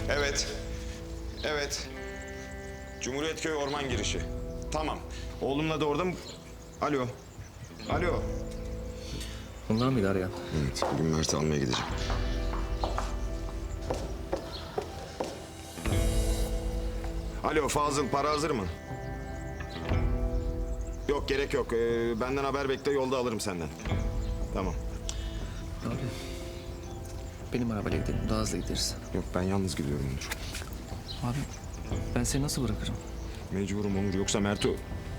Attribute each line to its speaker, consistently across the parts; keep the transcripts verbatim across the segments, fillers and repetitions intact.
Speaker 1: Evet. Evet. Cumhuriyetköy orman girişi. Tamam. Oğlumla da orada mı? Alo. Alo.
Speaker 2: Onlar mıydı arayan?
Speaker 1: Evet, bugün Mert'i almaya gideceğim. Alo Fazıl, para hazır mı? Yok, gerek yok. Ee, benden haber bekle, yolda alırım senden. Tamam.
Speaker 2: Abi, benim arabayla gidelim, daha hızlı gideriz.
Speaker 1: Yok, ben yalnız gidiyorum Onur.
Speaker 2: Abi, ben seni nasıl bırakırım?
Speaker 1: Mecburum Onur, yoksa Mert'i...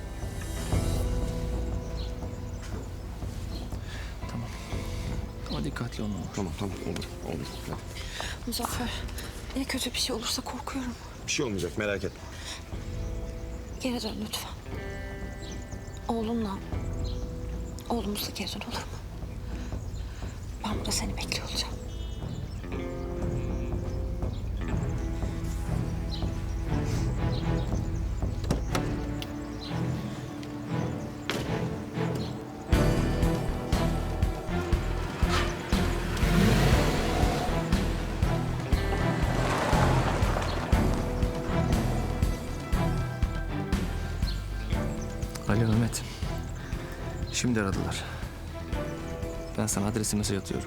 Speaker 2: Tamam. Ama dikkatli olma.
Speaker 1: Tamam, tamam, olur, olur. Hadi.
Speaker 3: Muzaffer, ya kötü bir şey olursa korkuyorum.
Speaker 1: Bir şey olmayacak, merak etme.
Speaker 3: Geri dön lütfen. Oğlunla, oğlumuzla geri dön, olur mu? Ben burada seni bekliyor olacağım.
Speaker 2: Alo Mehmet. Şimdi aradılar. Ben sana adresi mesaj atıyorum.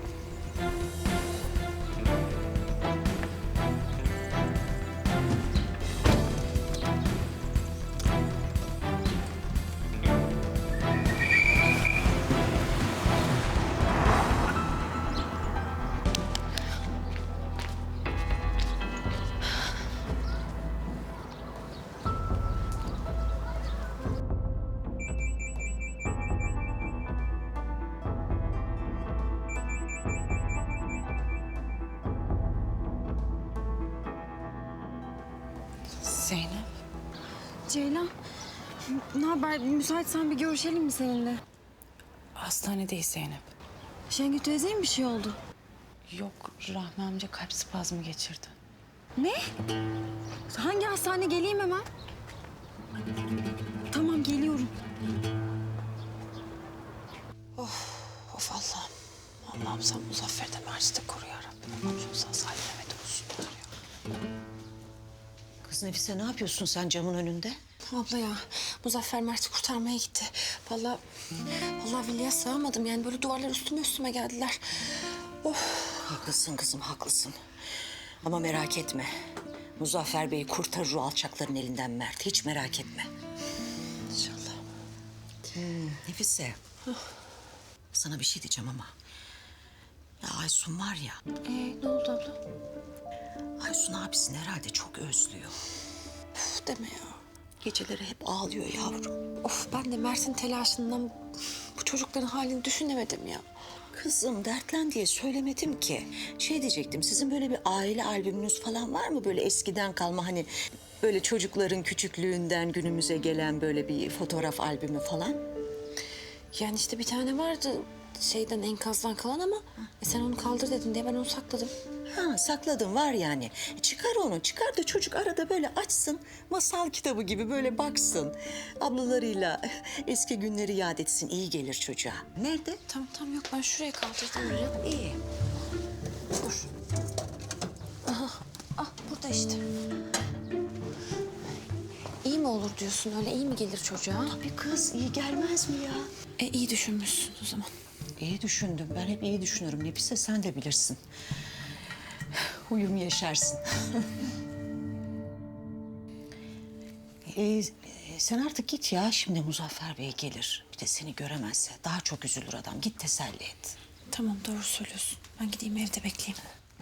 Speaker 3: Zeynep.
Speaker 4: Ceylan, ne haber? Müsaitsen bir görüşelim mi seninle?
Speaker 3: Hastanedeyiz Zeynep.
Speaker 4: Şengül teyzeye mi bir şey oldu?
Speaker 3: Yok, Rahmi amca kalp spazmı geçirdi.
Speaker 4: Ne? Hangi hastane? Geleyim hemen. Tamam, geliyorum.
Speaker 3: Of Allah'ım. Allah'ım sen Muzaffer'den Mert'i de koru ya Rabbim. Allah'ım sen Salim Mehmet olsunlar ya.
Speaker 5: Kız Nefise ne yapıyorsun sen camın önünde?
Speaker 3: Abla ya, Muzaffer Mert'i kurtarmaya gitti. Vallahi, vallahi Veli'ye sığamadım. Yani böyle duvarlar üstüme üstüme geldiler.
Speaker 5: Haklısın kızım haklısın. Ama merak etme. Muzaffer Bey kurtarır o alçakların elinden Mert. Hiç merak etme.
Speaker 3: İnşallah.
Speaker 5: Nefise. Sana bir şey diyeceğim ama. Ya Aysun var ya.
Speaker 3: Ee, ne oldu abla?
Speaker 5: Aysun abisini herhalde çok özlüyor.
Speaker 3: Uf deme ya.
Speaker 5: Geceleri hep ağlıyor yavrum.
Speaker 3: Of ben de Mert'in telaşından bu çocukların halini düşünemedim ya.
Speaker 5: Kızım dertlen diye söylemedim ki. Şey diyecektim, sizin böyle bir aile albümünüz falan var mı? Böyle eskiden kalma hani böyle çocukların küçüklüğünden günümüze gelen böyle bir fotoğraf albümü falan.
Speaker 3: Yani işte bir tane vardı şeyden enkazdan kalan ama e, sen onu kaldır dedin diye ben onu sakladım.
Speaker 5: Ha sakladım var yani. E, çıkar onu, çıkar da çocuk arada böyle açsın. Masal kitabı gibi böyle baksın. Ablalarıyla eski günleri yad etsin. İyi gelir çocuğa. Nerede?
Speaker 3: Tamam tamam yok ben şuraya kaldırdım oraya.
Speaker 5: İyi.
Speaker 3: Dur. Aha ah burada işte. İyi mi olur diyorsun öyle iyi mi gelir çocuğa?
Speaker 5: Bir kız iyi gelmez mi ya?
Speaker 3: E iyi düşünmüşsün o zaman.
Speaker 5: İyi düşündüm. Ben hep iyi düşünürüm. Nefise sen de bilirsin. Huyum yaşarsın. ee, sen artık git ya. Şimdi Muzaffer Bey gelir. Bir de seni göremezse daha çok üzülür adam. Git teselli et.
Speaker 3: Tamam doğru söylüyorsun. Ben gideyim evde bekleyeyim.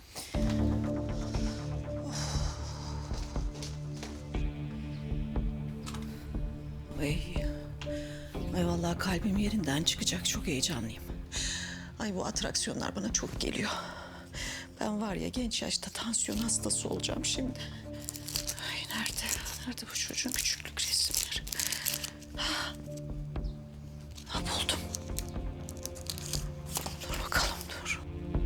Speaker 5: Ay, ay vallahi kalbim yerinden çıkacak. Çok heyecanlıyım. Ay bu atraksiyonlar bana çok geliyor. Ben var ya genç yaşta tansiyon hastası olacağım şimdi. Ay nerede? Nerede bu çocuğun küçüklük resimleri? Ha, ha buldum. Dur bakalım dur.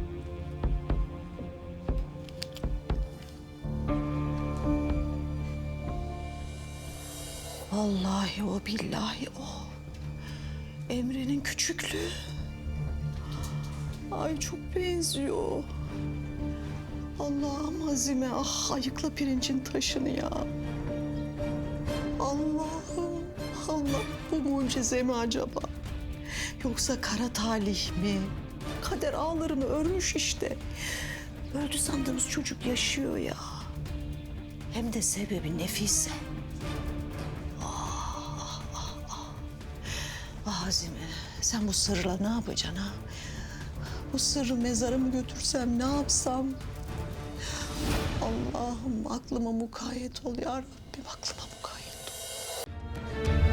Speaker 5: Vallahi o billahi o. Emre'nin küçüklüğü. Ay çok benziyor. Allah'ım Azime, ah ayıkla pirincin taşını ya. Allah'ım, Allah bu mucize mi acaba? Yoksa kara talih mi? Kader ağlarını örmüş işte. Öldü sandığımız çocuk yaşıyor ya. Hem de sebebi Nefise. Ah, ah, ah. Ah Azime, sen bu sırla ne yapacaksın ha? Bu sırrı mezara mı götürsem, ne yapsam? Allah'ım aklıma mukayyet ol ya Rabbim, aklıma mukayyet ol.